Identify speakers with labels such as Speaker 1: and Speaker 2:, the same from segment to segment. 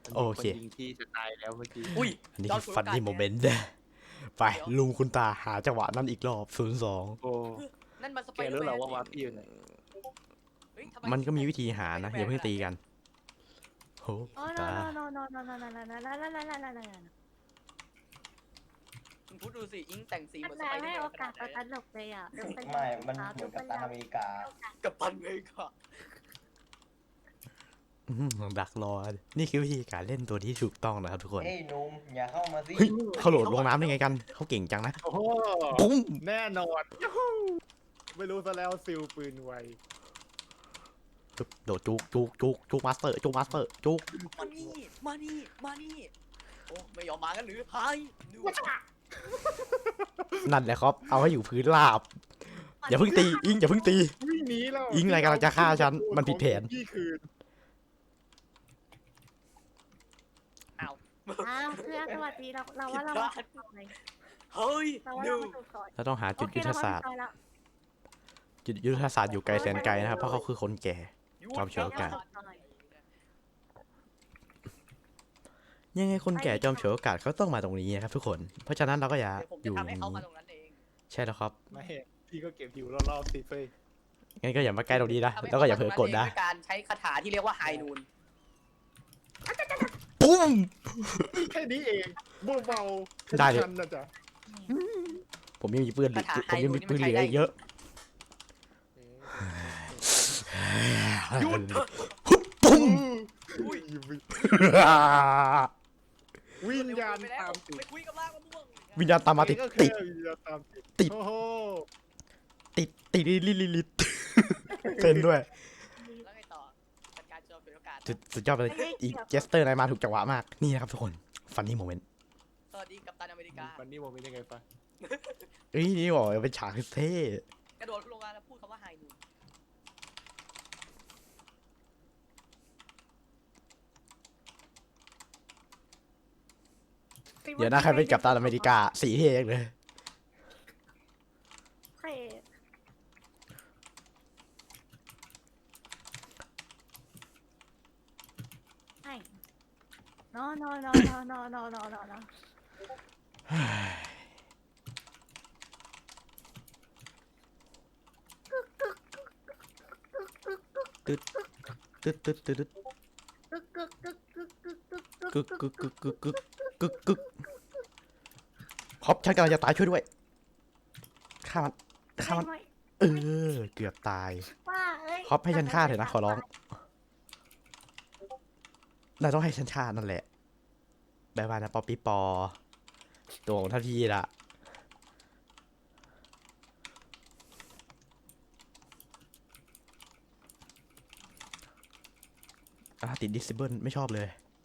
Speaker 1: มัน
Speaker 2: โอ
Speaker 1: มีค
Speaker 2: เค
Speaker 1: นยิงที่จะตายแล้วเมื่อกี้
Speaker 3: อุ้ย
Speaker 2: อันนี้
Speaker 3: จอ
Speaker 2: คือ
Speaker 3: ร์จ
Speaker 2: ฟันนี่
Speaker 3: โฟ
Speaker 2: โม
Speaker 3: กัส
Speaker 2: เมนต์ไปลุงคุณตาหาจังหวะนั้นอีกรอบ02
Speaker 1: โอ้
Speaker 3: นั่นมันสไป
Speaker 1: แก
Speaker 3: เดอ
Speaker 1: รู้
Speaker 3: ร์
Speaker 1: เหร
Speaker 3: แม
Speaker 1: อน ว่าวาร์ปพี่อยู่ไหน
Speaker 3: เฮ้ยทำไ
Speaker 2: มันก็มีวิธีหานะอย่าเพิ่งตีกันโห
Speaker 4: โอ้
Speaker 2: ตา
Speaker 3: มึงพูดดูสิอิงแต่งสีเหมือนส
Speaker 4: นาย
Speaker 3: ไปเดอ
Speaker 4: ให้
Speaker 3: ร์แม
Speaker 4: โอน
Speaker 3: ข
Speaker 4: กา
Speaker 3: นา
Speaker 4: ส
Speaker 3: ดไหน
Speaker 4: ตลกเลยอ่ะ
Speaker 5: ไม่มันเหมือนกับตันอเมริกา
Speaker 3: กับตันเลยค่ะ
Speaker 2: ดักรอ นี่คือวิธีการเล่นตัวที่ถูกต้องนะครับทุกคน
Speaker 5: เฮ้ยหนุ่มอย่าเข้ามาสิ
Speaker 2: เฮ้ยเขาโหลดลงน้ำได้ไงกันเขาเก่งจังนะ
Speaker 1: โอ้โห
Speaker 2: ปุ้ม
Speaker 1: แน่นอนยูฮูไม่รู้ซะแล้วซิลปืนไว
Speaker 2: โดดจุกมาสเตอร์จุกจุก
Speaker 3: มานี่มานี่มานี่โอ้ไม่ยอมมากันหรือไฮดู
Speaker 2: นั่นแหละครับเอาให้อยู่พื้นราบอย่าเพิ่งตีอิงอย่าเพิ่งตี
Speaker 1: วิ่งหนีแล้ว
Speaker 2: อิงอะไรกำลังจะฆ่าฉันมันผิดแผน
Speaker 1: พี่คืน
Speaker 3: อ้าว
Speaker 4: อ้าวเพื่อนสวัสดีเราว่าเรามาถูกซอย
Speaker 3: เฮ้ย
Speaker 4: เราว่า
Speaker 3: ดู
Speaker 4: เรามาถูกซอย
Speaker 2: เราต้องหาจุดยุทธศาสตร์
Speaker 4: โอเคเมถูกซอยแล้ว
Speaker 2: จุดยุทธศาสตร์อยู่ไกลแสนไกลนะครับเพราะเขาคือคนแก่ จอมเฉวยโอกาส ยังไงคนแก่จอมฉวยโอกาสเขาต้องมาตรงนี้นะครับทุกคนเพราะฉะนั้นเราก็อย่า
Speaker 3: เดี๋ยวผม
Speaker 2: อ
Speaker 3: จะ
Speaker 2: ยู่
Speaker 3: ทำให้เขามาตรงนั้นเอง
Speaker 2: ใช่แล้วครับ
Speaker 1: ไม่พี่ก็เก็บหิวรอบๆสิเฟ้ย
Speaker 2: งั้นก็อย่ามาใกล้ตรงนี้นะ
Speaker 3: ทำให้
Speaker 2: แล้วก็อย่าเผลอกดนะ
Speaker 3: ขามาตรงด้วยการใช้คาถาที่เรียกว่าไฮนูน
Speaker 2: ปุ้ม
Speaker 1: แค่นี้เองเบาๆ
Speaker 2: ได้เลย
Speaker 1: ทันนะจ๊ะ
Speaker 2: ผมยังมีปืนผมยังมีปืนเหลืออีกเยอะ
Speaker 1: หยุด
Speaker 2: ปุ้ม
Speaker 1: อุ้ยวิญญาณตามติด
Speaker 3: ไปคุยกับล่างมะม่วง
Speaker 2: วิญญาณตามมาติด
Speaker 1: ก็
Speaker 2: ติ
Speaker 1: แค่
Speaker 2: ด
Speaker 1: วิญญาณตามติด
Speaker 2: ติด
Speaker 1: โอ้โห
Speaker 2: ติดลิดเต้นด้วย
Speaker 3: แล้วไงต่อจัดการจอมฉวยโอกาส
Speaker 2: สุดยอดไปเลยอีเจสเตอร์นายมาถูกจังหวะมากนี่นะครับทุกคนฟันนี่โมเมนต์
Speaker 3: สวัสดีกัปตันอเมริกา
Speaker 1: วันนี้โมเป็นยังไงปะ
Speaker 2: เอ้ยนี่บอกเป็นฉากเท่
Speaker 3: กระโดดลงมาแล้วพูดคำว่าไฮนูน
Speaker 2: เดี๋ยวนะใครเป็นกัปตันอเมริกาสีเท่เลย
Speaker 4: เท่ใช่ no
Speaker 2: ตึ๊ดตึ๊ดตึ๊ดตึ๊ด
Speaker 4: กึก
Speaker 2: กึกกึกกึกกึกกึกกึกฮอปฉันกำลังจะตายช่วยด้วยฆ่ามันเออเกือบตาย
Speaker 4: ว่าเอ้ย
Speaker 2: ฮอปให้ฉันฆ่าเถอะนะขอร้องนายต้องให้ฉันฆ่านั่นแหละบายบายนะป๊อปปี้ปอตัวของท่านพี่ละติดดิสเบิลไม่ชอบเลย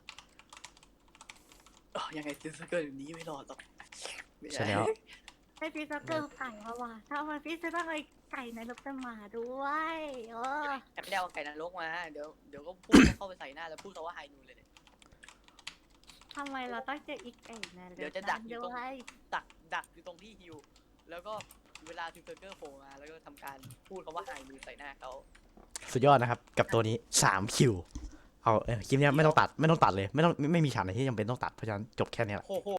Speaker 3: ยังไงซิสเกอร์นี้ไม่รอดหรอก
Speaker 2: ใช่แล้ว
Speaker 4: ให้พี่ซักเกอร์ไก่มาว่ะถ้ามันพี่จะต้องไอ้ไก่ในรถจะมาด้วยเออ
Speaker 3: แต่ไม่ได้เอาไก่นรกมาเดี๋ยวก็พูดเข้าไปใส่หน้าแล้วพูดคำว่าไฮนูนเลย
Speaker 4: ทำไมเราต้องเจออีกไก่ในรถ
Speaker 3: เดี๋ยวจะดักอยู่ตรง
Speaker 4: ด้วย
Speaker 3: ดักอยู่ตรงที่ฮิวแล้วก็เวลาซิสเกอร์โผล่มาแล้วก็ทำการพูดคำว่าไฮนูนใส่หน้าเขา
Speaker 2: สุดยอดนะครับ กับตัวนี้3คิวเอาคลิปนี้ไม่ต้องตัดเลยไม่มีฉากไหนที่จำเป็นต้องตัดเพราะฉะนั้นจบแค่นี้แหละ
Speaker 3: โอ้โห